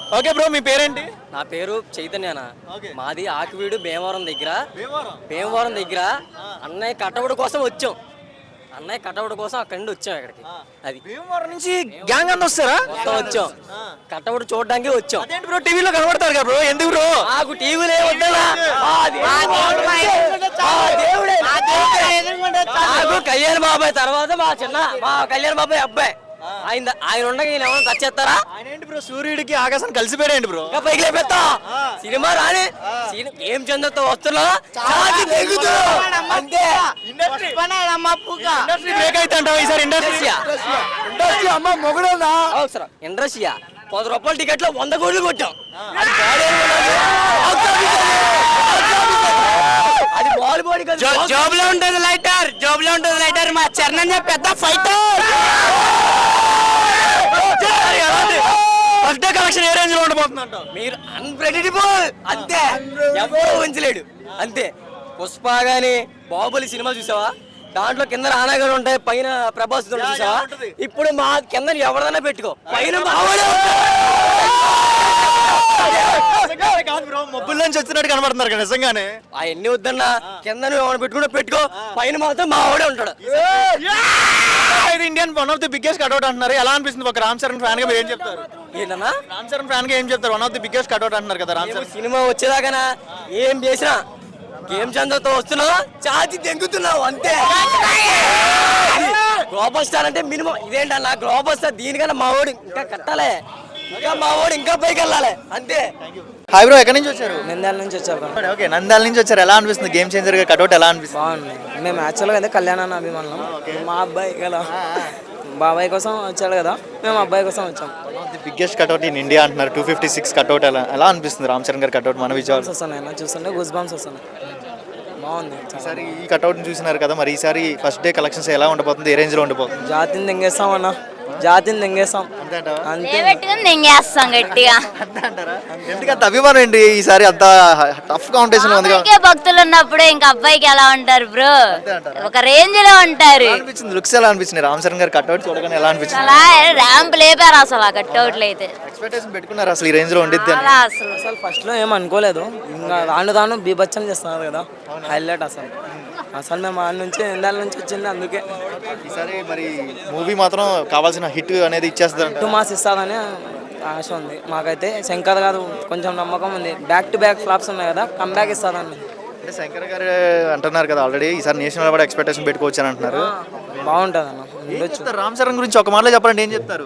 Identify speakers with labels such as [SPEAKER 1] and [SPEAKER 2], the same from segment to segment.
[SPEAKER 1] Okay bro, మీ పేరేంటి?
[SPEAKER 2] నా పేరు చైతన్యనా.
[SPEAKER 1] ఓకే.
[SPEAKER 2] మాది ఆకివీడు భీమవరం దగ్గర అన్నయ్య కటౌట్ కోసం వచ్చాం. అక్కడి నుండి వచ్చాం ఇక్కడికి. అది
[SPEAKER 1] భీమవరం నుంచి గ్యాంగ్ అంతా వస్తారా?
[SPEAKER 2] మొత్తం వచ్చాం, కటౌట్ చూడడానికి వచ్చాం.
[SPEAKER 1] అదేంటి బ్రో, టీవీలో కనబడతారు కదా బ్రో, ఎందుకు బ్రో?
[SPEAKER 2] నాకు టీవీలే వద్దనా, నాకు కళ్యాణ్ బాబాయ్ తర్వాత మా కళ్యాణ్ బాబాయ్ అబ్బాయి ఆయన ఉండగా ఈయన ఏమైనా టచ్ చేస్తారా?
[SPEAKER 1] ఆయన ఏంటి బ్రో, సూర్యుడికి ఆకాశం కలిసిపోయాడు బ్రో.
[SPEAKER 2] ఇంకా పైకి లేపెత్తా సినిమా రాని ఏం చంద్రతో వస్తున్నా అంతే.
[SPEAKER 1] ఇండస్ట్రీ బ్రేక్ అయితే అంటావా ఈసారి? ఇండస్ట్రీ అమ్మ మొగుడుందా?
[SPEAKER 2] ఇండస్ట్రీయా 10 రూపాయల టికెట్ లో 100 కోట్లు కొట్టాం. అది బాల్ బాడీ
[SPEAKER 1] జాబ్ లో ఉంటుంది లైటర్ మా చరణ్ పెద్ద ఫైటర్. ఫస్ట్ డే కలెక్షన్ ఏ రేంజ్ లో ఉండబోతుందంట?
[SPEAKER 2] మీరు అన్ప్రెడిక్టబుల్ అంతే, ఎవరు ఉంచలేడు అంతే. పుష్ప గాని బాహుబలి సినిమా చూసావా? దాంట్లో కింద రానాగారు ఉంటాయి, పైన ప్రభాస్ చూసావా? ఇప్పుడు మా కింద ఎవరిదైనా పెట్టుకో, పైన
[SPEAKER 1] మొబ్బుల నుంచి వచ్చినట్టు కనబడుతున్నారు కదా నిజంగానే.
[SPEAKER 2] అవన్నీ వద్దన్నా, కింద నువ్వు పెట్టుకుంటే పెట్టుకో, పైన మాత్రం మా ఆవిడే ఉంటాడు.
[SPEAKER 1] Indian one of the biggest cutout అంటున్నారు, ఎలా అనిపిస్తుంది? ఒక రామ్ చరణ్ ఫ్యాన్ గా మీరు ఏం చెప్తారు?
[SPEAKER 2] ఏంటన్నా
[SPEAKER 1] రామ్ చరణ్ ఫ్యాన్ గా ఏం చెప్తారు? One of the biggest cutout అంటున్నారు కదా రామ్ చరణ్.
[SPEAKER 2] సినిమా వచ్చేదాకా ఏం చేసినా గేమ్ చంద్రతో వస్తున్నావు, ఛాతి దెంగుతున్నావు అంతే. గ్లోబల్ స్టార్ అంటే మినిమం ఇదేంటన్నా, గ్లోబల్ స్టార్ దీనికన్నా మా వాడు ఇంకా కట్టాలి, ఇంకా మా వాడు ఇంకా పైకి వెళ్ళాలి అంతే.
[SPEAKER 1] హాయ్ బ్రో, ఎక్కడి నుంచి వచ్చారు?
[SPEAKER 3] నంద్యాల నుంచి వచ్చారు.
[SPEAKER 1] ఓకే, నంద్యాల నుంచి వచ్చారు. ఎలా అనిపిస్తుంది గేమ్ చేంజర్ గా కట్అవుట్? ఎలా అనిపిస్తుంది?
[SPEAKER 3] బాగుంది. మేము యాక్చువల్గా అయితే కళ్యాణాన్ని అభిమానులం. మా అబ్బాయి కదా, బాబాయ్ కోసం వచ్చాడు కదా, మేము అబ్బాయి కోసం వచ్చాం.
[SPEAKER 1] The biggest cutout in India అంటున్నారు. 256 కట్అవుట్. ఎలా అనిపిస్తుంది రామ్ చరణ్ గారి కట్అవుట్ మన విజయవాడ?
[SPEAKER 3] వస్తున్నాయి చూస్తుంటే గూస్ బంప్స్ వస్తున్నాయి, బాగుంది.
[SPEAKER 1] ఈసారి ఈ కట్అవుట్ చూసినారు కదా, మరి ఈసారి ఫస్ట్ డే కలెక్షన్స్ ఎలా ఉండబోతుంది? ఏ రేంజ్ లో ఉండబోతుంది?
[SPEAKER 3] జాతిని దెంగేస్తాం అన్న, జాతిని దెంగేస్తాం అంతే.
[SPEAKER 4] దెంగేస్తాం గట్టిగా.
[SPEAKER 1] ఎందుకంత అభిమానం ఏంటి ఈసారి? అంత టఫ్ కాంపిటీషన్ ఉంది కదా.
[SPEAKER 4] భక్తులు ఉన్నప్పుడు ఇంకా అబ్బాయికి ఎలా ఉంటారు బ్రో, ఒక రేంజ్ లో ఉంటారు.
[SPEAKER 1] అనిపించింది లుక్స్ ఎలా అనిపించింది రామ్ చరణ్ గారి కట్అవుట్ చూడగానే? ఎలా అనిపించింది?
[SPEAKER 4] అలా ర్యాంప్ లేపారు అసలు ఆ కట్అవుట్లు అయితే.
[SPEAKER 1] ఎక్స్పెక్టేషన్ పెట్టుకున్నారు అసలు ఈ రేంజ్ లో ఉండిద్ది అని?
[SPEAKER 4] అలా అసలు
[SPEAKER 3] అసలు ఫస్ట్ లో ఏం అనుకోలేదు, ఇంకా రాను బీభత్సం చేస్తున్నారు కదా, హైలైట్ అసలు. మేము ఆడ నుంచి ఎండాల నుంచి వచ్చింది, అందుకే
[SPEAKER 1] ఈసారి మరి మూవీ మాత్రం కావాల్సిన హిట్ అనేది ఇచ్చేస్తారు.
[SPEAKER 3] 2 మాస్ ఇస్తారని ఆశ ఉంది మాకైతే. శంకర్ గారు కొంచెం నమ్మకం ఉంది, బ్యాక్ టు బ్యాక్ ఫ్లాప్స్ ఉన్నాయి కదా, కమ్బ్యాక్ ఇస్తారని.
[SPEAKER 1] అంటే శంకర్ గారు అంటున్నారు కదా ఆల్రెడీ, ఈసారి నేషనల్ అవార్డు ఎక్స్పెక్టేషన్ పెట్టుకోవచ్చు అని అంటున్నారు.
[SPEAKER 3] బాగుంటుంది అన్న.
[SPEAKER 1] రామ్ చరణ్ గురించి ఒక మాటలో చెప్పాలంటే ఏం చెప్తారు?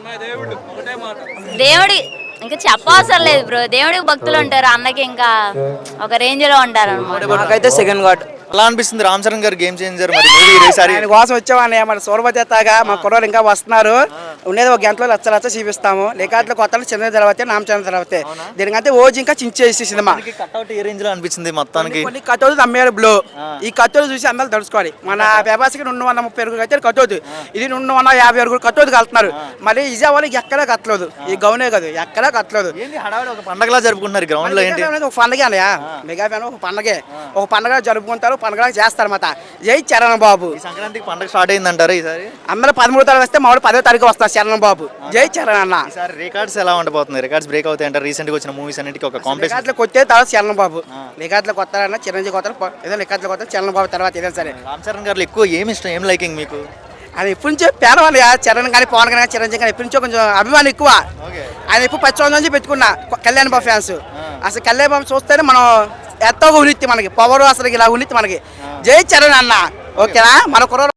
[SPEAKER 4] దేవుడి ఇంకా చెప్పవసరం లేదు బ్రో, దేవుడికి భక్తులు ఉంటారు, అన్నకి ఇంకా ఒక రేంజ్ లో ఉంటారు అనమాట.
[SPEAKER 3] నాకైతే సెకండ్ గాడ్.
[SPEAKER 1] ఎలా అనిపిస్తుంది రామ్ చరణ్ గారు గేమ్ చేంజర్ మరి మూవీ ఈసారి?
[SPEAKER 5] ఆయన కోసం వచ్చామని మన సూర్వజేతగా మా కుర్రోళ్ళు ఇంకా వస్తున్నారు. ఉండేది ఒక గంటలో లచ్చ చూపిస్తాము. లేకపోతే కొత్త చిన్న తర్వాత నామచంద్ర తర్వాత దీనికంటే ఓజీ ఇంకా చించేసి సినిమా.
[SPEAKER 1] కట్అవుట్ ఏ రేంజ్ లో అనిపించింది మొత్తానికి?
[SPEAKER 5] కొన్ని కట్టోలు తమ్మేరు బ్లో. ఈ కట్టోలు చూసి అందరూ తడుచుకోవాలి. మన వ్యవసాయకి 230 అడుగులు అయితే కట్టోదు, ఇది 250 అడుగులు కట్టోదు కలుతున్నారు. మరి విజయవాడకి ఎక్కడా కట్టలేదు, ఈ గౌనే కాదు ఎక్కడా కట్టలేదు.
[SPEAKER 1] ఒక పండగలా జరుపుకుంటున్నారు గ్రౌండ్ లో. ఏంటి
[SPEAKER 5] ఒక పండగ అన్నయ్య, మెగా ఫ్యాన్ ఒక పండగ జరుపుకుంటారు, పండగ చేస్తారు మాట. జై చరణ్ బాబు.
[SPEAKER 1] సంక్రాంతికి పండగ స్టార్ట్ అయిందంటారు ఈసారి?
[SPEAKER 5] అందరూ 13వ తారీఖు వస్తే మామూలు 10వ తారీఖు వస్తారు చరణ్ బాబు. జై చరణ్ అన్న.
[SPEAKER 1] ఈసారి రికార్డ్స్ ఎలా ఉండబోతుంది? రికార్డ్స్ బ్రేక్ అవుతాయి అంటారు. రీసెంట్ గా వచ్చిన మూవీస్ అన్నిటికీ ఒక కాంపిటీషన్.
[SPEAKER 5] రికార్డులకు వచ్చే తర్వాత చరణ్ బాబు, రికార్డులకు కొత్తారన్న చిరంజీవి కొత్తారు, ఏదో రికార్డులకు కొత్తారు చరణ్ బాబు తర్వాత ఏదైనా సరే.
[SPEAKER 1] రామ్ చరణ్ గారు ఎక్కువ ఏమి ఇష్టం, ఏం లైకింగ్ మీకు?
[SPEAKER 5] ఆయన ఎప్పటి నుంచో పేదవాళ్ళు చరణ్ కానీ పవన్ కానీ చిరంజీవి కానీ ఎప్పటి నుంచో కొంచెం అభిమానం ఎక్కువ. ఆయన ఎప్పుడు 10 సంవత్సరాల నుంచి పెట్టుకున్నా కళ్యాణ్ బాబు ఫ్యాన్స్. అసలు కళ్యాణ్ బాబు చూస్తేనే మనం ఎంతో ఉన్నిత్తి, మనకి పవర్ అసలు ఇలా ఉన్నిత్తి మనకి. జై చరణ్ అన్న. ఓకేనా? మన కుర్ర